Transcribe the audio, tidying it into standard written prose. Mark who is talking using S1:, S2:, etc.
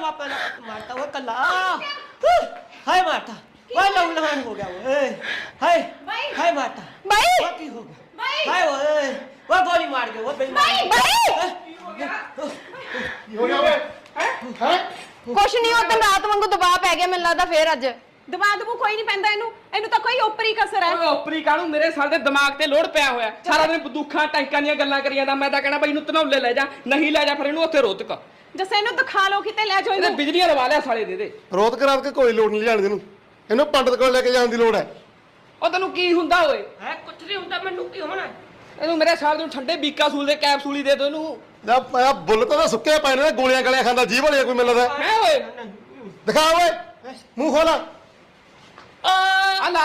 S1: पापा ने मारता वो कल्ला हाय मारता वो लहूलुहान हो गया वो हाय हाय मारता
S2: भाई
S1: वो की हो गया हाय वो गोली मार गया वो बेईमान
S3: ਹੋ ਗਿਆ ਓਏ ਹੈ
S2: ਕੁਛ ਨਹੀਂ ਉਦੋਂ ਰਾਤ ਵਾਂਗੂ ਦਬਾਅ ਪੈ ਗਿਆ ਮੈਨੂੰ ਲੱਗਦਾ ਫੇਰ ਅੱਜ
S4: ਦਵਾ ਦਵੂ ਕੋਈ ਨਹੀਂ ਪੈਂਦਾ ਇਹਨੂੰ ਤਾਂ ਕੋਈ ਓਪਰੀ ਕਸਰ ਹੈ।
S5: ਓਏ ਓਪਰੀ ਕਾਹਨੂੰ ਮੇਰੇ ਸਾਲ ਦੇ ਦਿਮਾਗ ਤੇ ਲੋੜ ਪਿਆ ਹੋਇਆ ਸਾਰਾ ਦਿਨ ਬੰਦੂਖਾਂ ਟੈਂਕਾਂ ਦੀਆਂ ਗੱਲਾਂ ਕਰੀ ਜਾਂਦਾ ਮੈਂ ਤਾਂ ਕਹਿਣਾ ਬਈ ਇਹਨੂੰ ਧਨੌਲੇ ਲੈ ਜਾ ਨਹੀਂ ਲੈ ਜਾ ਫਿਰ ਇਹਨੂੰ ਉੱਥੇ ਰੋਤਕ
S4: ਜੱਸੇ ਇਹਨੂੰ ਦਿਖਾ ਲਓ ਕਿਤੇ ਲੈ ਜਾਓ
S5: ਇਹਨੇ
S4: ਇਹਨੂੰ।
S5: ਬਿਜਲੀਆਂ ਲਵਾ ਲਿਆ ਸਾਲੇ ਦੇ
S3: ਰੋਤ ਕਰਾਤ ਕੇ ਕੋਈ ਲੋੜ ਨਹੀਂ ਜਾਣ ਦੀ ਨੂੰ ਇਹਨੂੰ ਪੰਡਤ ਕੋਲ ਲੈ ਕੇ ਜਾਣ ਦੀ ਲੋੜ ਹੈ
S5: ਉਹ ਤੈਨੂੰ ਕੀ ਹੁੰਦਾ ਓਏ
S1: है कुछ नहीं होता मैनू की होना
S5: ਇਹਨੂੰ ਮੇਰੇ ਸਾਲ ਦੇ ਠੰਡੇ ਬੀਕਾ ਸੂਲ ਦੇ ਕੈਪਸੂਲ ਹੀ ਦੇ ਦੋ ਇਹਨੂੰ
S3: ਆ ਬੁੱਲ ਤਾਂ ਸੁੱਕੇ ਪਏ ਨੇ ਗੋਲੀਆਂ ਗਲੀਆਂ ਖਾਂਦਾ ਜੀਭ ਵਾਲੀ ਕੋਈ ਮਿਲਦਾ
S5: ਹੈ ਓਏ
S3: ਦਿਖਾ ਓਏ ਮੂੰਹ ਖੋਲਾ
S5: ਆ